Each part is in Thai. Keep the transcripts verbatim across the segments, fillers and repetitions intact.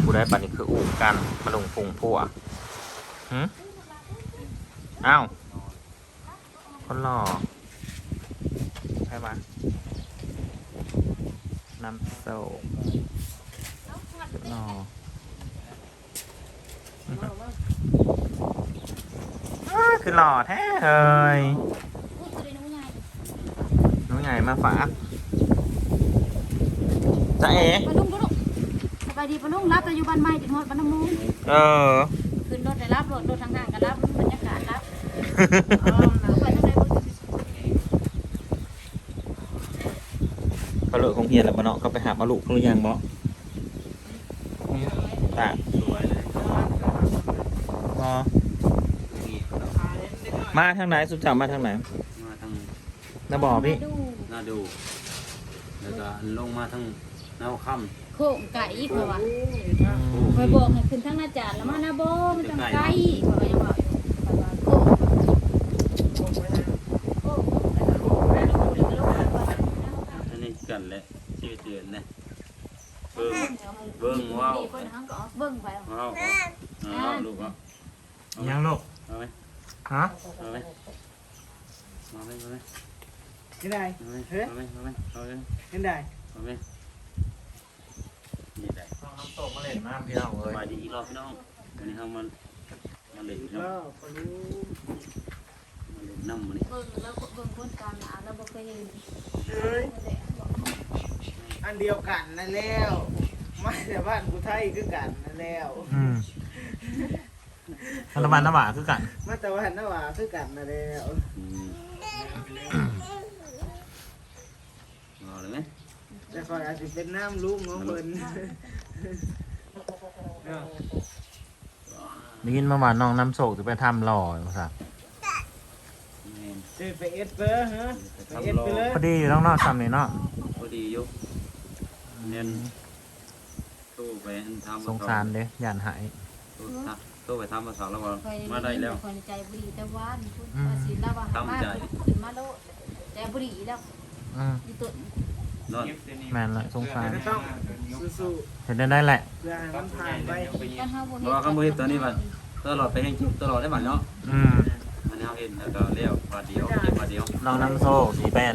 ผู้ได้ปานนี้คืออู่กันมาลงพุงพัวหืมอ้าวคนหล่อใช่ปะน้ำโซ่หล่ออ้าคือหล่อแท้เฮ้ยน้องใหญ่มาฝากจะเอ๋ปลุงปลุงสบายดีปลุงรับแต่อยู่บ้านใหม่ถึงหอดบ้านน้ำมูกเออขึ้นรถได้รับรถรถทางห่างกันรับบรรยากาศรับไปทางไหนเขาเลิกของเฮียนแล้วบ่เนาะเขาไปหาปลาลูกหรือยังบ่ตาสวยเลยพอมาทางไหนสุดจับมาทางไหนมาทางน้าบ่อพี่หน้าดูแล้วก็ลงมาทางหน้าค่โค้งไก่เพราะว่าคอยบอกให้ขึ้นทางหน้าจานแล้วมาหน้าโบมันจังไก่เพราะว่ายังบอกอยู่ว่าโค้งโค้งำอันนี้กันแหละชีวิตเดือนนะเบิ่งเบิ่งว้าวคนทั้งก็เบิ่งไปว้าวว้าวลูกเอาเอายังลูกเอาไหมฮะเอาไหมเอาไหมเอาไหม cái này เอาไหมเอาไหมเอาไหมเอาไหม cái này เอาไหมนี่ได้น้องน้ำตกมาเล่นน้ำพี่น้องเลสยบายดีอีกรอบพี่น้องวันนี้เรามันมาเล่นเนาะ đó có lú มาเล่นน้ำมันนี่เบิ่งแล้วเบิ่งคนกลางหนาแล้วบ่เคยเห็น ơi ăn điều cản là leo mai là bạn của thay cứ cản là leo อืมรัฐบาลน้ำหวาคือกัน mắt tao bạn nó bảo cứ cản là leo อืมเอาเลยไหมจะคอยอาจจะเป็นน้ำลุ่มของเพิ่นได้ยินมาว่าน้องน้ำโศกจะไปทำหล่อภาษาแม่นจะไปเอ็ดเปอร์ฮะไปเอ็ดไปเลยพอดีน้องนอกทำนี่เนาะพอดีอยู่เน้นตู้ไปทำสงสารเด้ย่านหายตู้ทักตู้ไปทำภาษาแล้วก็คอยมาได้แล้วคอยใจบุรีแต่ว่านี่พุ่นว่าสิแล้วว่ามาขึ้นมาโลแต่บุรีแล้วอืมอีตุ่นนอนแมนละสงสารก็ต้องสู้เห็นได้ได้แหละๆเพื่อให้มันผ่านไปกันเฮาบ่เพเฮ็ราะว่าคำพูดตอนนี้มันตลอดไปแห่งจิตตลอดได้บ้านเนาะอืมมันเอาเห็นแล้วก็เลี้ยวบาทเดียวเก็บบาทเดียวน้องน้ำโศกสีแป้น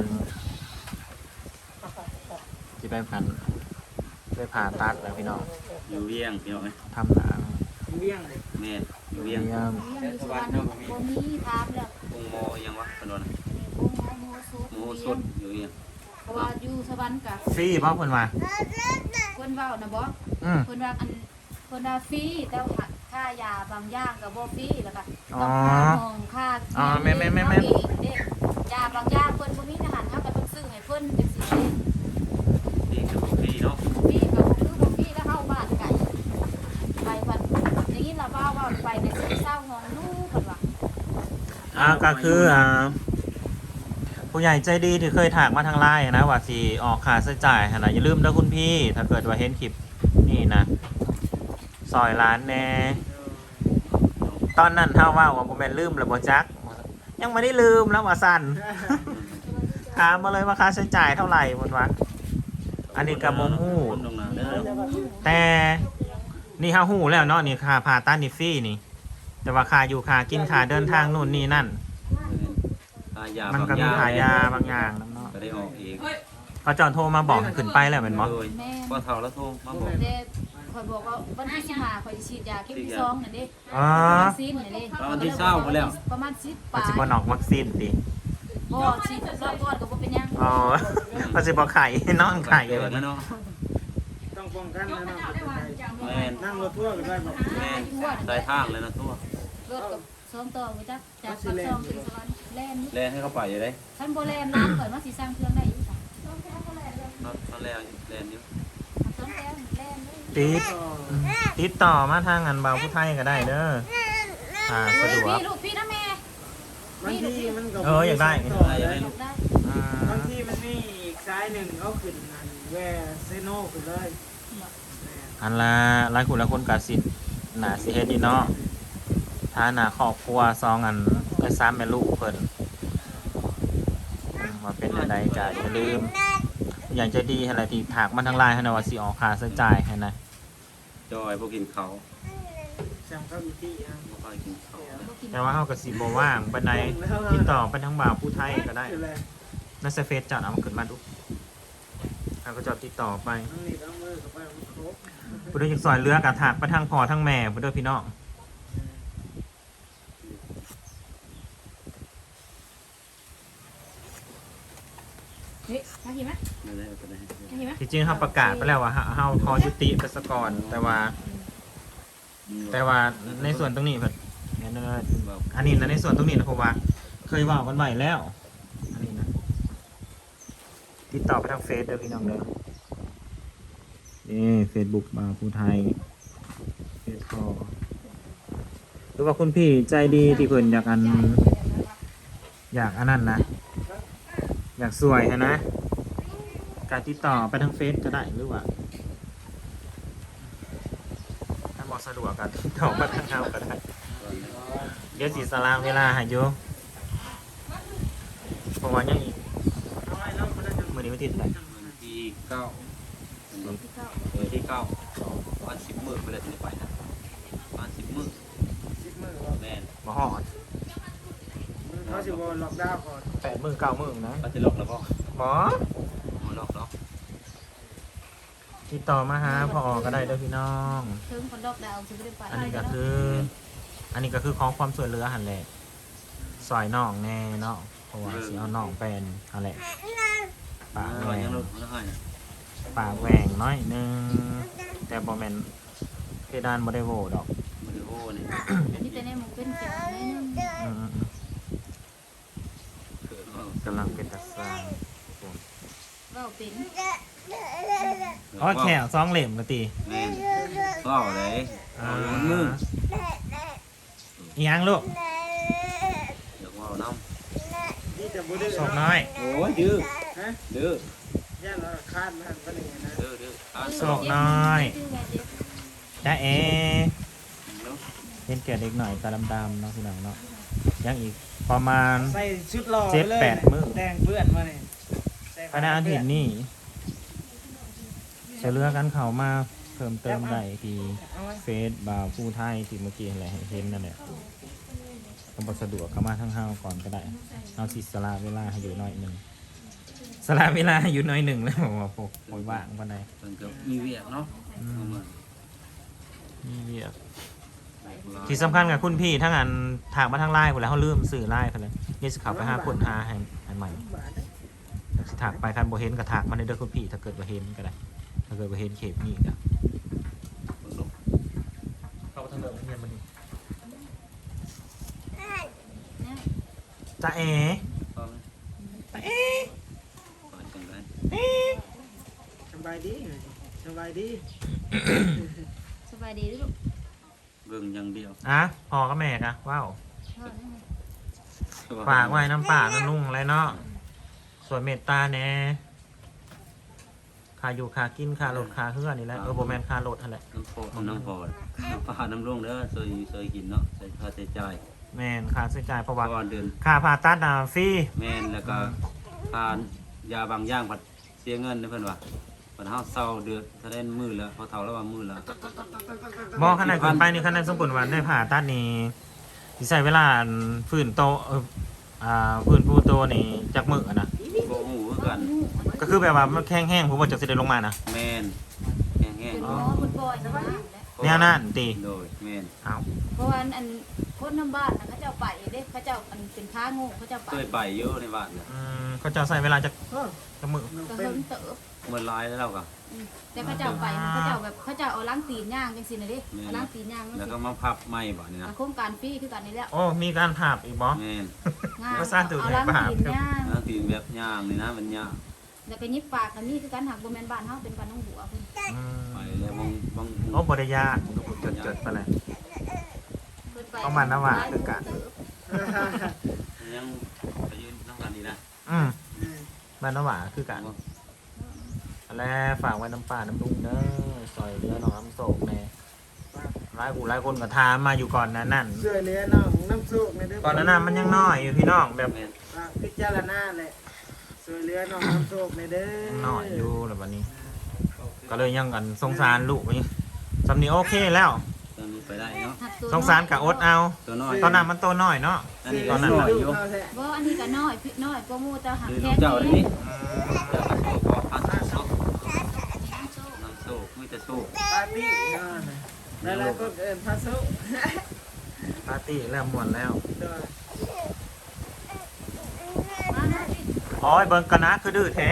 สีแป้นพันไปผ่าตัดแล้วพี่น้องอยู่เวียงพี่น้องไหมทำหนังเบี้ยงเลยแม่อยู่เวีเยี่ยยงมเรียนอยู่สวรรค์บ่มีถามแล้วกงโมยังวะถนนโอ้โหสุดโมสดอยู่เวียงเพราะว่าอยู่สวรรค์กะฟรีเพราะคนมาคนเว้านะบ่อืมคนว่าอันคนว่าฟรีแต่ว่าค่ายาบางอย่างก็บ่ฟรีแล้วก็อ๋ต้อองค่าห้องค่าอ๋อแม่แม่แม่แม่เองเด้ยาบางอย่างเพิ่นบ่มีอาหารเฮาก็ต้องซื้อให้เพิ่นจังซี่เด้นี่คือฟรีเนาะฟรีก็คือบ่ฟรีแล้วเฮาบ้านไกลไปวันอย่างนี้ล่ะว่าว่าไปในซื้อเช้าห้องนู้นเพิ่นว่าอ่าก็คืออ่าผู้ใหญ่ใจดีที่เคยถากมาทางไลน์นะว่าสิออกค่าใช้จ่ายหั่นน่ะอย่าลืมเด้อคุณพี่ ถ้าเกิดว่าเห็นคลิปนี่นะซอยร้านแน่ตอนนั้นเท่าว่าว่าผมเป็นลืมแล้วบ่จัก ยังไม่ได้ลืมแล้วว่าสั่น ถามมาเลยว่าค่าใช้จ่ายเท่าไหร่หมดวะอันนี้กับโมฮู้คนตรงนั้นเด้อแต่นี่ฮาฮู้แล้วเนาะนี่ค่าผ่าตัดนี่ฟรีนี่ แต่ว่าค่าอยู่ค่ากินค่าเดินทางนู่นนี่นั่นค่ายามันบางก็อมีย่างค่ายาบางอย่างนำเนาะก็ได้ออกเองพอจอนโทรมาบอกให้ขึ้นไปแล้วเป็นบ่โดยพอเท่าแล้วโทรมาบอกเด้ข่อยบอกว่าวันที่สิบห้าข่อยสิฉีดยาเข็มที่สองนั่นเด้อ๋อวัคซีนนั่นเด้ตอนที่เช้ามาแล้วประมาณสิบปปัจลายจุบันออกวัคซีนดิบ่ฉีดรอบก่อนก็บ่เป็นหยังอ๋อปัจจุบันไข่นอนไข่เกิเลดยแล้วเนาะต้องป้องกันนะน้องแม่นนั่งรถทั่วร์กันได้บอกแม่นสายทางเลยนะทั่วรถกับสองต่อไปจักจากปากซองถึงสวรรค์แล่นนี่แล่นให้เขาไปอยู่ได้ท่านบ่แล่นร้านก่อนว่าสิสร้างเครื่องได้อยู่จ้ะตอนตอนแรกแล่นอยู่สองแล่นแล่นเลยติดติดต่อมาทางงานเบาผู้ไทยก็ได้เด้ออ่าสะดวกพี่ลูกพี่นะแม่บางทีมันก็เอออยากได้ต่อได้เลได้ยลูกได้อืมบางทีมันมีอีกซ้ายหนึ่งเขาขึ้นนั่นแวเซโนขึ้นเลยอันละหลายคนหลายคนกสิหนาสิเฮ็ดดีเนาะถ้าหนาครอบครัวซองอันเอ้ยซ้ำแม่ลูกเพิ่นอืมว่าเป็นอะไรก็อย่าลืม อย่างใจะดีอะไรที่ถากมันทางไลน์ให้นะว่าสิออกค่าใช้จ่ายให้นะจจอยพวกกินเขาจำเข้าอีกที่นะบ่ค่อยกินเขานะบ่กินแต่ว่าเฮาก็สิบ่ว่างปานใดติดต่อไปทางบ่าวผู้ไทยก็ได้คืออะไรในเฟซจัดเอามาขึ้นมาดูเขาก็จะติดต่อไปต้องนี่ต้องมือกับไปมันครบผู้ใดอยากซอยเรือกะถากไปทางพ่อทางแม่ผู้ใดพี่น้องเฮ้ยมากินไหมไม่ได้ก็ได้มากินไหมที่จริงเฮาประกาศไปแล้วว่าเฮาเฮาขอยุติไปซะก่อนแต่ว่า แต่ว่าในส่วนตรงนี้เพิ่นเนี่ยเนอะอันนี้นะในส่วนตรงนี้นะเพราะว่า เคยเว่ากันไว้แล้วอันนี้นะติดต่อไปทางเฟซเด้อพี่น้องเด้อนี่เฟซบุ๊กมาผู้ไทยเฟซคอหรือว่าคุณพี่ใจดีที่เพิ่นอยากอันอยากอันนั้นนะอยากสวยนะ การติดต่อไปทางเฟซก็ได้หรือว่าถ้าบอกสะดวกก็ติดต่อมาทางเฮาก็ได้เดี๋ยวสิสลามเวลาให้อยู่เพราะว่ายังอีกเอาไว้แล้วมันจะมื้อนี้วันที่เท่าไหร่วันที่เก้าที่เข้าวันที่เก้าวันสิบมื้อไปเลยจะไปนะวันสิบมื้อสิบมือก่อนแม่นบ่ฮอดเขาสิบวันล็อกดาวน์ก่อนแปดมื้อเก้ามื้อนะก็จะหลอกแล้วบ่บ่บ่หลอกหรอกติดต่อมาหาพ่อก็ได้เด้อพี่น้องเทิงคนดอกดาวสิบ่ได้ไปอันนี้ก็คือ อันนี้ก็คือของความสวยเรือหั่นแหละซอยน้องแน่เนาะเพราะว่าสิเอาน้องเป็นหั่นแหละปากแหวยังงหลอกแล้วให้นะปากแหวงน้อยหนึงแต่บ่แม่นเพดานบ่ได้โหวดอกบ่ได้โอ้นี่นี่แต่เนี่ยมันเป็นเขียวนิดนึงอืมเกิดว่ากำลังเป็นตาสร้างเว้าเป็นอ๋อแขวซองเหล่มนะตีแม่นก็เอาเลยเอาอยู่มืออีหยังลูกเดี๋ยวเอาน้นี่จะบุได้ศพน้อยำโอ้ยดื้อฮะดื้อย่าเราคาดมันเป็นอย่างนั้นดื้อดื้ออ่านศพน้อยจ้าเอเนาะเห็นแก่เด็กหน่อยตาดำๆเนาะพี่น้องเนาะยังอีกประมาณใส่ชุดรอเจ็ดเลยแปดมื้อแดงเปื้อนมาเนี่ยคณะเห็นนี่จะเลือกกันเขามาเพิ่มเติมได้ที่เอาไว้เฟซบาวผู้ไทยที่เมื่อกี้อะไรเห็นนั่นแหละต้องบสะดวกเข้ามาทั้งเฮาก่อนก็ได้เอาสิสละเวลาให้อยู่หน่อยหนึ่งสละเวลาให้อยู่หน่อยหนึ่งแล้วบอกว่าพวกโอยว่างปานใดเพิ่นก็มีเวียกเนาะเอามานี่เวียกที่สำคัญกับคุณพี่ทั้งอันถากมาทางไลน์หมดแล้วเขาลืมสื่อไลน์ไปเลยนี่สิเขับไปหาคนหาให้ให้ใหม่แล้วสิถากไปคันบ่เห็นก็ถากมาในเด้อคุณพี่ถ้าเกิดบ่เห็นก็ได้ถ้าเกิดบ่เห็นเขตนี่ก็เข้าทางเดิมเฮียนมาดิจ้าเอ๋พร้อมจ้าเอ๋ก่อนจังได๋เอ๋สบายดีสบายดีสบายดีลูกเบิ่งอย่างเดียวอ่ะพ่อกับแม่กะว้าวพ่อนี่ฝากไว้น้ำป่าน้ำนุ่งอะไรเนาะส่วนเมตตาแน่ค่าอยู่ค่ากินค่ารถค่าเฮือนี่แหละเออโบแมนค่ารถนั่นแหละน้ำโพน้ำพอน้ำปลาน้ำร่วงเด้อซอยซอยกินเนาะใส่ค่าใช้จ่ายแมนค่าใช้จ่ายเพราะเพว่าราะว่าเดือนค่าผ่าตัดน่ะฟรีแม่นแล้วก็ทานยาบางอย่างผัดเสียเงินนะเพิ่นว่าเพิ่นเฮาเศร้าเดือดถ้าได้มื้อละพอเฒ่าแล้วว่ามื้อละบอกขนาดขึ้นไปนี่ขนาดสมบูรณ์วันได้ผ่าตัดนี่สิใช้เวลาฟื้นโตเอออ่าฟื้นฟูโตนี่จากมืออะนะบ่ฮู้คือกันก็คือแบบว่ามันแข็งแห้งผมว่าจะสิได้ลงมานะแม่นแห้งเป็นๆหมอเนาะคนบ่อยนะแนวนั้นตีโดยแม่นเอาเพราะว่าอันคนน้ำบ้านนะเขาเจ้าไปเด้เขาเจ้าอันเป็นค้าโง่เขาเจ้าไปเคยไปอยู่ในบ้านน่ะอืมเขาจะใส่เวลาจากเออจากมือมันก็เป็นเฮิงเติบเมื่อหลายแล้วก็อืมแต่เขาเจ้าไปนะเขาเจ้าแบบเขาเจ้าเอาล้างตีนย่างจังซี่น่ะเด้เอาล้างตีนย่างแล้วก็มาพับใหม่บ่นี่นะโครงการฟรีคือกันนี่แหละโอ้มีการผ่าอีกบอแม่นงานก็สร้างตัวเอาใหญ่ล้างปะตีนย่างแล้วตีนแบบย่างนี่นะมันย่างแล้วก็ยิบปากกันนี่คือกันหักบ่แม่นบ้านเฮาเป็นบ้านน้องบัวเพิ่นอืมไปแล้วบางบางโอ้บริยากจดจดๆไปเลยเพิ่นไปต้องมันนะว่ะคือกันยังไปยืนนั่งกันนี่นะอืมบ้านน้ำหวาคือกันแล้วฝากไว้น้ำป่าน้ำลุงเด้อซอยเรือหนองน้ำโศกแน่หลายกูหลายคนก็ทามมาอยู่ก่อนนั้นนั่นเสื้อเหลือน้องน้ำซุกในเด้อก่อนนั้นน่ะมันยังน้อยอยู่พี่น้องแบบแม่นฝากพิจารณาแหละเสื้อเหลือน้องน้ำซุกในเด้อน้อยอยู่แล้ววันนี้ ก็เลยยังกันสงสารลูกนี่สำนีโอเคแล้วตอนนี้ไปได้เนาะหักตัวสงสารกับอดเอาตัวน้อยตอนนั้นมันตัวน้อยเนาะอันนี้ตอนนั้นน้อยอยู่บ่อันนี้ก็น้อยพี่น้อยก็มูแต่หักคือแค่ลูกเจ้าอันนี้นี้เจ้าก็โซ่พอพันโซ่น้ำโซ่ไม่แต่โซ่ปาร์ตี้นั่นแหละก็เอินพาสุปาร์ตี้แล้วม่วนแล้วตัวมาหน่อยดิโอ้ยเบิ่งกันนะคือดื้อแท้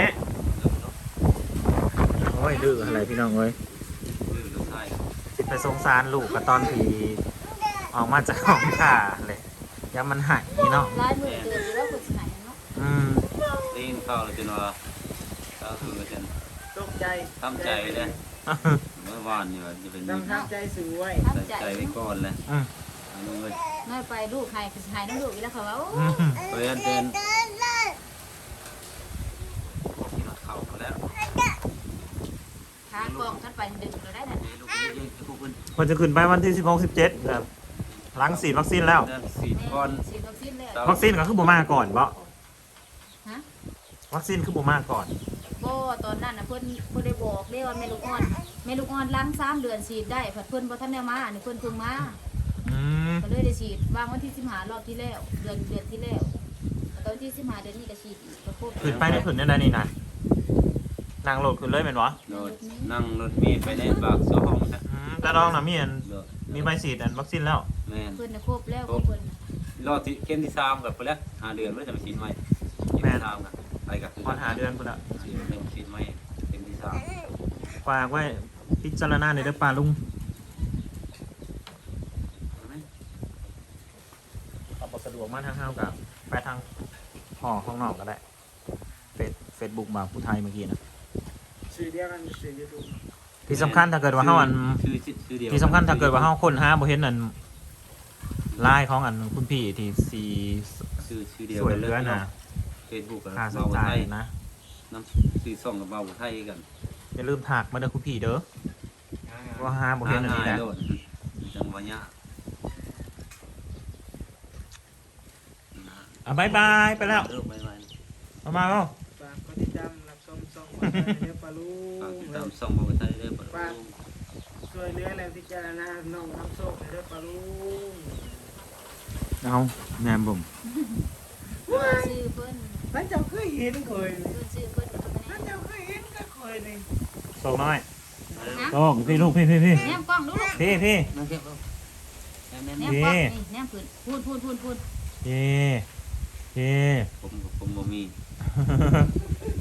โอ้ยดื้ออะไรพี่น้องเอ้ยคือลูกชายสิไปสงสารลูกกับตอนที่ออกมาจากห้องข่าเลยอยังมันหายนี่เนาะลายมือเกิดอยู่แล้วคนสิไหนเนาะอืมได้ยินข่าวแล้วจนว่าก็คือจนตกใจทำใจเลยเมื่อวานนี่ว่าจะเป็นต้องทำใจสวยทำใจใจไว้ก่อนเลยอืมอันนู้นเลยน้อยไปลูกให้คือสิให้น้ำลูกอีกแล้วเขาว่าโอ้อืมเพื่อนเป็นที่นัดเข่ามาแล้วขากองกันไปดึงเราได้น่ะลูกเยอะๆพวกคุณมันจะขึ้นไปวันที่สิบหก สิบเจ็ดครับหลังฉีดวัคซีนแล้วสี่ก้อนฉีดวัคซีนแล้ววัคซีนก็คือบ่มาก่อนบ่ฮะวัคซีนคือบ่มาก่อนบ่ตอนนั้นน่ะเพิ่นเพิ่นได้บอกเด้ว่าแม่ลูกอ่อนแม่ลูกอ่อนล้างสามเดือนฉีดได้เพิ่นบ่ทันได้มาอันนี้เพิ่นเพิ่งมาอืมก็เลยได้ฉีดวางวันที่สิบห้ารอบที่แล้วเดือนเดือนที่แล้วแล้วตอนที่สิบห้าเดือนนี้ก็ฉีดอีกก็ครบขึ้นไปได้ขึ้นได้นี่นะนั่งรถขึ้นเลยเป็นวะรถนั่งรถเมล์ไปในปากโซ่ห้องนะอืมแต่ลองนะมีอันมีใบฉีดอันวัคซีนแล้วแม่นเพิ่นน่ะครบแล้วของเพิ่นน่ะรอที่เข้มที่สามกับไปแล้วหาเดือนไม่ได้จะมาฉีดใหม่เข้มที่สามกันไปกับพอหาเดือนพุ่นละฉีดเป็นฉีดใหม่เข้มที่สามฝากไว้พิจารณาในอยเด้อปลาลุงเอาบ่สะดวกมาทางเฮากับไปทางห่อข้างนอกก็ได้เฟซเฟซบุ๊กบางผู้ไทยเมื่อกี้นะสื่อเดียวกันสื่อยูทูบที่สำคัญถ้าเกิดว่าเฮาอันชื่อชื่อเดียวที่สำคัญถ้าเกิดว่าเฮาค้นหาบ่เห็นอันไลน์ของอันคุณพี่ที่สีชื่อชื่อเดียวสวยเหลือนะเฟซบุ๊กกับค่าใช้เบาจ่าไทยยนะน้ำชื่อส่องกับเบาไทยกันอย่าลืมถักมาเด้อคุณพี่เด้อว่าหาบ่เห็นอันนี้แหละโดดจังหวะเนี้ยอ่ะบายบายไปแล้วเออไปไปมามาเอ้าฝากกดติดตามรับชมช่องเดี๋ยวปลาลูฝากกติดตามส่องเบาไทยด้วยปะลูกช่วยเหลือแล้วพิจารณาน้องน้ำโชคเดี๋ยวปลาลูกเอาแม่นบ่ชื่อเพิ่นท่านเจ้าเคยเห็นเคยเพิ่นชื่อเพิ่นท่านเจ้าเคยเห็นก็เคยนี่ส่งน้อยนะส่งพี่ลูกพี่พี่พี่แนมกล้องดูลูกพี่พี่นั่งเก็บลูกแม่แนแม่มกล้องนี่แนมพื้นพูดพูดพูดพูดพี่พี่ผมผมบ่มี